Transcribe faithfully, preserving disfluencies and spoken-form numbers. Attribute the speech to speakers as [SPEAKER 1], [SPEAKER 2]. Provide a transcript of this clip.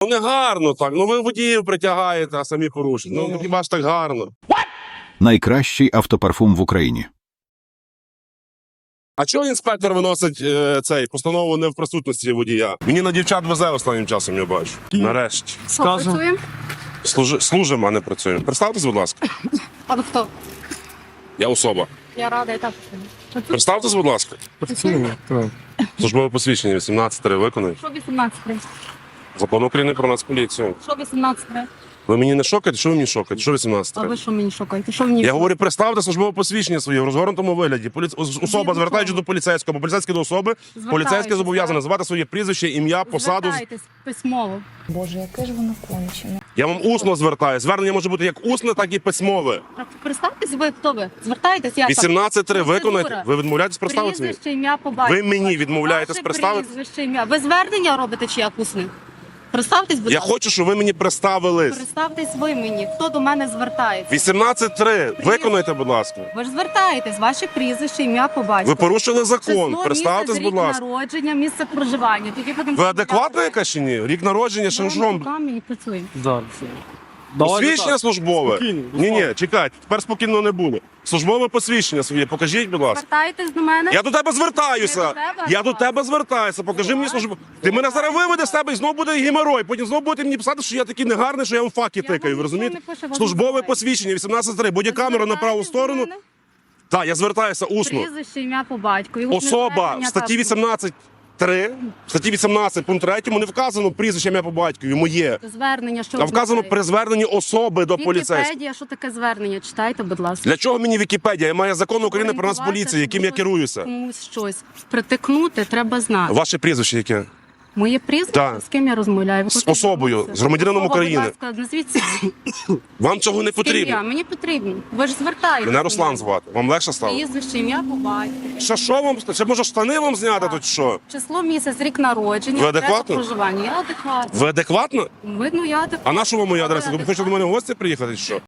[SPEAKER 1] не гарно так. Ну ви водіїв притягаєте, а самі порушуєте. Ну хіба ж так гарно?
[SPEAKER 2] Найкращий автопарфум в Україні.
[SPEAKER 1] А чого інспектор виносить е, цей постанову не в присутності водія? Мені на дівчат везе останнім часом, я бачу. Нарешті.
[SPEAKER 3] Скажу.
[SPEAKER 1] Служи, служимо, а не працюємо. Представтесь, будь ласка.
[SPEAKER 3] А ви хто?
[SPEAKER 1] Я особа.
[SPEAKER 3] Я рада, і так.
[SPEAKER 1] Представтесь, будь ласка. Службове посвідчення вісімнадцять три виконують.
[SPEAKER 3] Що вісімнадцять?
[SPEAKER 1] Закон України про Нацполіцію.
[SPEAKER 3] Що вісімнадцять?
[SPEAKER 1] Ви мені не шокаєте? Що ви мені шокаєте? Що вісімнадцять
[SPEAKER 3] А
[SPEAKER 1] три?
[SPEAKER 3] ви що мені шукаєте? Що мені?
[SPEAKER 1] Я говорю, представте службове посвідчення своє в розгорнутому вигляді. Поліц... Особа,
[SPEAKER 3] до
[SPEAKER 1] звертаючись
[SPEAKER 3] кого?
[SPEAKER 1] до поліцейського, або поліцейський до особи,
[SPEAKER 3] Звертаючись,
[SPEAKER 1] поліцейський зобов'язаний
[SPEAKER 3] так.
[SPEAKER 1] називати своє прізвище, ім'я, посаду.
[SPEAKER 3] Звертайтесь письмово.
[SPEAKER 4] Боже, яке ж воно кончене.
[SPEAKER 1] Я вам усно звертаю. Звернення може бути як усне, так і письмове.
[SPEAKER 3] Так, представтесь, ви хто ви? Звертайтесь, я
[SPEAKER 1] вісімнадцять три
[SPEAKER 3] Процедура.
[SPEAKER 1] виконайте. Ви відмовляєтесь представитися мені?
[SPEAKER 3] Прізвище, ім'я, по батькові.
[SPEAKER 1] Ви мені відмовляєтесь
[SPEAKER 3] Ваше
[SPEAKER 1] представитися?
[SPEAKER 3] прізвище, ім'я. Ви звернення робите чи як усне? Представтесь, будь
[SPEAKER 1] Я
[SPEAKER 3] ласка.
[SPEAKER 1] хочу, щоб ви мені представились.
[SPEAKER 3] Представтесь ви мені. Хто до мене звертається?
[SPEAKER 1] вісімнадцять три виконайте, будь ласка.
[SPEAKER 3] Ви ж звертаєтесь, ваше прізвище, ім'я, по батькові.
[SPEAKER 1] Ви порушили закон.
[SPEAKER 3] Число,
[SPEAKER 1] Представтесь,
[SPEAKER 3] місяць,
[SPEAKER 1] будь
[SPEAKER 3] рік
[SPEAKER 1] ласка.
[SPEAKER 3] народження, місце проживання. Тоді будемо
[SPEAKER 1] Ви адекватна яка чи ні? Рік народження, що ж вам?
[SPEAKER 3] руками і працюємо.
[SPEAKER 5] Да.
[SPEAKER 1] Посвідчення службове?
[SPEAKER 5] Спокійно,
[SPEAKER 1] Ні, ні, чекайте, тепер спокійно не буде. Службове посвідчення своє, покажіть, будь ласка.
[SPEAKER 3] Звертайтесь до мене.
[SPEAKER 1] Я до тебе
[SPEAKER 3] Ви
[SPEAKER 1] звертаюся.
[SPEAKER 3] до тебе?
[SPEAKER 1] Я до тебе звертаюся. Покажи мені службу. Ти мене зараз виведеш з тебе і знову буде геморой. Потім знову будете мені писати, що я такий негарний, що я вам факи
[SPEAKER 3] Я
[SPEAKER 1] тикаю. Ви
[SPEAKER 3] вам
[SPEAKER 1] розумієте?
[SPEAKER 3] нічого не пишу, вас
[SPEAKER 1] Службове
[SPEAKER 3] називаю.
[SPEAKER 1] посвідчення вісімнадцять три. Будь камера на праву сторону. Так, я звертаюся усно.
[SPEAKER 3] Прізвище, ім'я, по батькові.
[SPEAKER 1] Особа в статті вісімнадцять три, в статті вісімнадцять пункт три не вказано прізвище ім'я по батькові, моє.
[SPEAKER 3] Звернення, що
[SPEAKER 1] А вказано при зверненні особи до поліцейського.
[SPEAKER 3] Вікіпедія, що таке звернення? Читайте, будь ласка.
[SPEAKER 1] Для чого мені Вікіпедія? Я маю закон України про
[SPEAKER 3] Орієнтуватися,
[SPEAKER 1] Нацполіцію, яким я
[SPEAKER 3] щоб
[SPEAKER 1] керуюся.
[SPEAKER 3] Комусь щось притикнути, треба знати.
[SPEAKER 1] Ваше прізвище яке?
[SPEAKER 3] Моє прізвище,
[SPEAKER 1] Так.
[SPEAKER 3] з ким я розмовляю? Ви
[SPEAKER 1] З
[SPEAKER 3] хочете
[SPEAKER 1] особою,
[SPEAKER 3] звернутися?
[SPEAKER 1] з громадянином
[SPEAKER 3] Особа,
[SPEAKER 1] України.
[SPEAKER 3] Будь ласка, назвіть себе.
[SPEAKER 1] Вам цього не
[SPEAKER 3] З ким я?
[SPEAKER 1] потрібно.
[SPEAKER 3] Мені потрібно. Ви ж звертаєтесь.
[SPEAKER 1] Мене Руслан звати. Вам легше стало?
[SPEAKER 3] Прізвище, ім'я, по батькові.
[SPEAKER 1] Ще що вам? Ще може штани вам зняти тут що?
[SPEAKER 3] Число, місяць, рік народження.
[SPEAKER 1] Ви
[SPEAKER 3] адреса
[SPEAKER 1] адекватно?
[SPEAKER 3] проживання. Я адекватно.
[SPEAKER 1] Ви адекватно?
[SPEAKER 3] Видно, я адекватно.
[SPEAKER 1] А на що вам моя адреса? Ви
[SPEAKER 3] адекватно.
[SPEAKER 1] хочете до мене в гості приїхати чи що?